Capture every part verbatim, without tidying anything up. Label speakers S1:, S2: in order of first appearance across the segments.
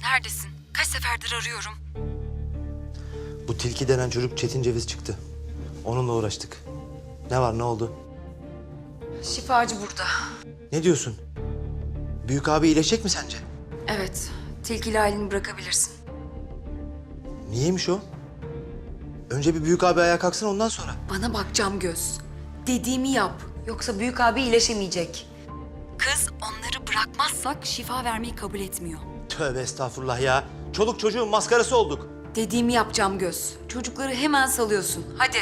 S1: Neredesin? Kaç seferdir arıyorum.
S2: Bu tilki denen çocuk Çetin Ceviz çıktı. Onunla uğraştık. Ne var, ne oldu?
S1: Şifacı burada.
S2: Ne diyorsun? Büyük abi iyileşecek mi sence?
S1: Evet. Tilkiyle Aylin'i bırakabilirsin.
S2: Niyeymiş o? Önce bir büyük abi ayağa kalksın, ondan sonra.
S1: Bana bak Camgöz. Dediğimi yap. Yoksa büyük abi iyileşemeyecek. Kız onları bırakmazsak şifa vermeyi kabul etmiyor.
S2: Tövbe estağfurullah ya. Çoluk çocuğun maskarası olduk.
S1: Dediğimi yap Camgöz. Çocukları hemen salıyorsun. Hadi.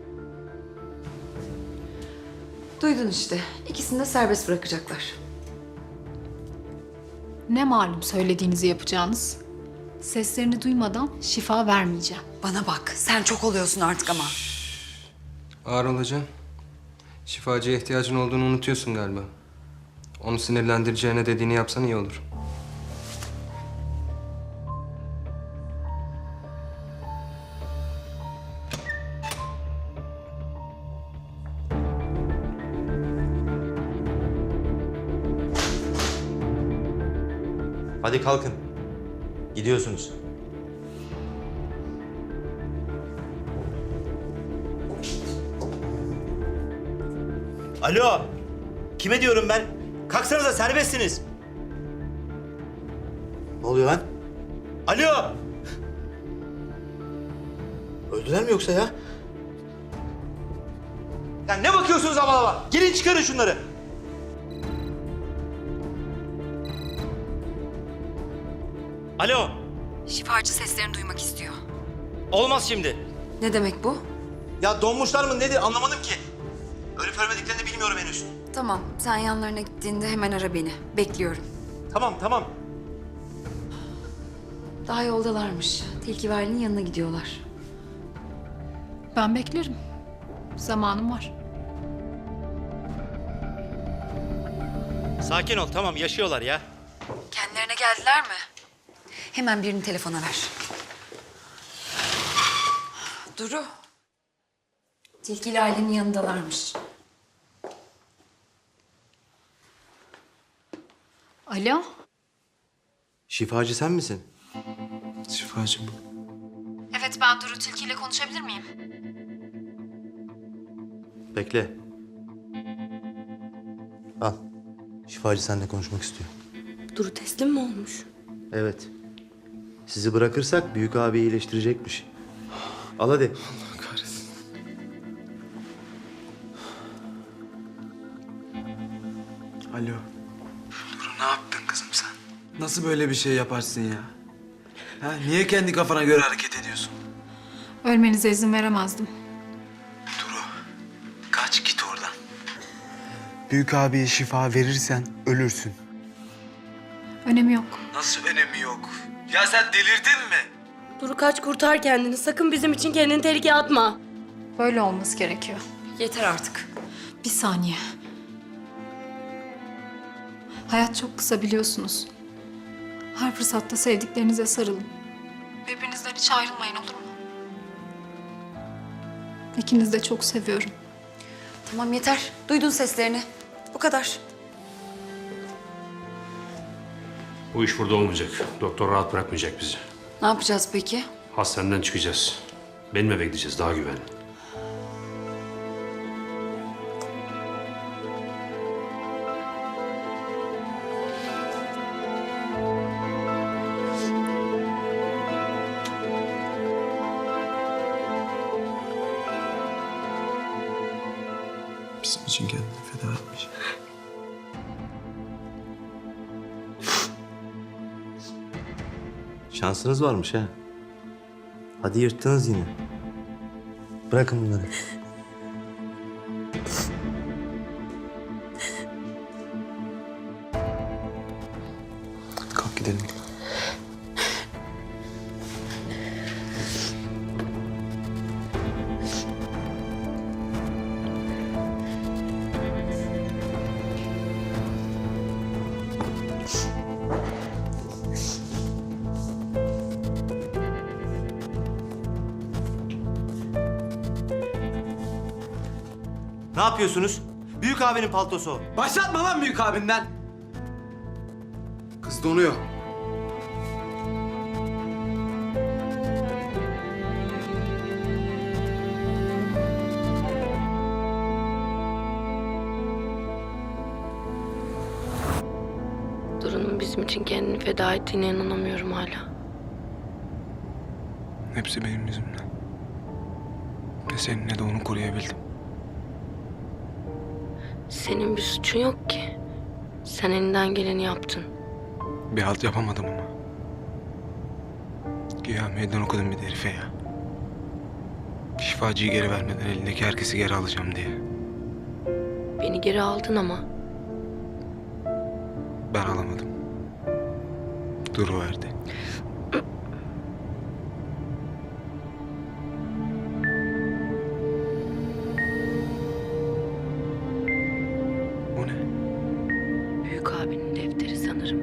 S1: Duydun işte. İkisini de serbest bırakacaklar.
S3: Ne malum söylediğinizi yapacağınız? Seslerini duymadan şifa vermeyeceğim.
S1: Bana bak. Sen çok oluyorsun artık ama.
S4: Ağır olacaksın. Şifacıya ihtiyacın olduğunu unutuyorsun galiba. Onu sinirlendireceğine dediğini yapsan iyi olur.
S2: Hadi kalkın. Gidiyorsunuz. Alo. Kime diyorum ben? Kalksanıza, serbestsiniz. Ne oluyor lan? Alo. Öldüler mi yoksa ya? Ya ne bakıyorsunuz hava hava? Gelin çıkarın şunları. Alo.
S1: Şifacı seslerini duymak istiyor.
S2: Olmaz şimdi.
S1: Ne demek bu?
S2: Ya donmuşlar mı nedir anlamadım ki. Ölüp ölmediklerini bilmiyorum henüz.
S1: Tamam. Sen yanlarına gittiğinde hemen ara beni. Bekliyorum.
S2: Tamam tamam.
S1: Daha yoldalarmış. Tilki ve Aylin'in yanına gidiyorlar.
S3: Ben beklerim. Zamanım var.
S2: Sakin ol, tamam, yaşıyorlar ya.
S1: Kendilerine geldiler mi? Hemen birini telefona ver. Duru. Tilki ile Aylin'in yanındalarmış.
S3: Alo?
S2: Şifacı sen misin?
S4: Şifacı bu.
S3: Evet, ben Duru Tilki ile konuşabilir miyim?
S2: Bekle. Al. Şifacı seninle konuşmak istiyor.
S5: Duru teslim mi olmuş?
S2: Evet. Sizi bırakırsak büyük abi iyileştirecekmiş. Al hadi.
S4: Allah kahretsin.
S6: Alo. Duru, ne yaptın kızım sen? Nasıl böyle bir şey yaparsın ya? Ha, niye kendi kafana göre hareket ediyorsun?
S3: Ölmenize izin veremezdim.
S6: Duru, kaç git oradan. Büyük abiye şifa verirsen ölürsün.
S3: Önemi yok.
S6: Nasıl önemi yok? Ya sen delirdin mi?
S5: Duru kaç, kurtar kendini. Sakın bizim için kendini tehlikeye atma.
S3: Böyle olması gerekiyor.
S1: Yeter artık.
S3: Bir saniye. Hayat çok kısa biliyorsunuz. Her fırsatta sevdiklerinize sarılın. Birbirinizden hiç ayrılmayın, olur mu? İkinizi de çok seviyorum.
S1: Tamam yeter. Duydun seslerini. Bu kadar.
S7: Bu iş burada olmayacak. Doktor rahat bırakmayacak bizi.
S1: Ne yapacağız peki?
S7: Hastaneden çıkacağız. Benim eve gideceğiz, daha güvenli.
S6: Bizim için kendini feda etmiş.
S2: Şansınız varmış ha. Hadi yırttınız yine. Bırakın bunları.
S6: Kalk gidelim.
S2: Ne yapıyorsunuz? Büyük abinin paltosu o.
S6: Başlatma lan büyük abinden. Kız donuyor.
S5: babamın bizim için kendini feda ettiğine inanamıyorum hala.
S6: Hepsi benim yüzümden. Ne seni ne de onu koruyabildim.
S5: Senin bir suçun yok ki. Sen elinden geleni yaptın.
S6: Bir halt yapamadım ama. Güya meydan okudum bir de herife ya. Şifacıyı geri vermeden elindeki herkesi geri alacağım diye.
S5: Beni geri aldın ama.
S6: Ben alamadım. Duru verdi. Bu ne?
S5: Büyük abinin defteri sanırım.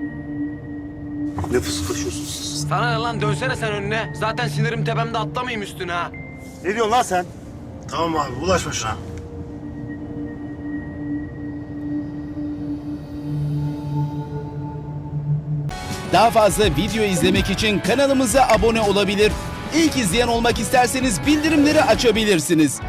S2: Ne fısıldaşıyorsun siz?
S6: Sana ne lan, dönsene sen önüne. Zaten sinirim tepemde, atlamayayım üstüne ha.
S2: Ne diyorsun lan sen?
S8: Tamam abi bulaşma şuna.
S9: Daha fazla video izlemek için kanalımıza abone olabilir. İlk izleyen olmak isterseniz bildirimleri açabilirsiniz.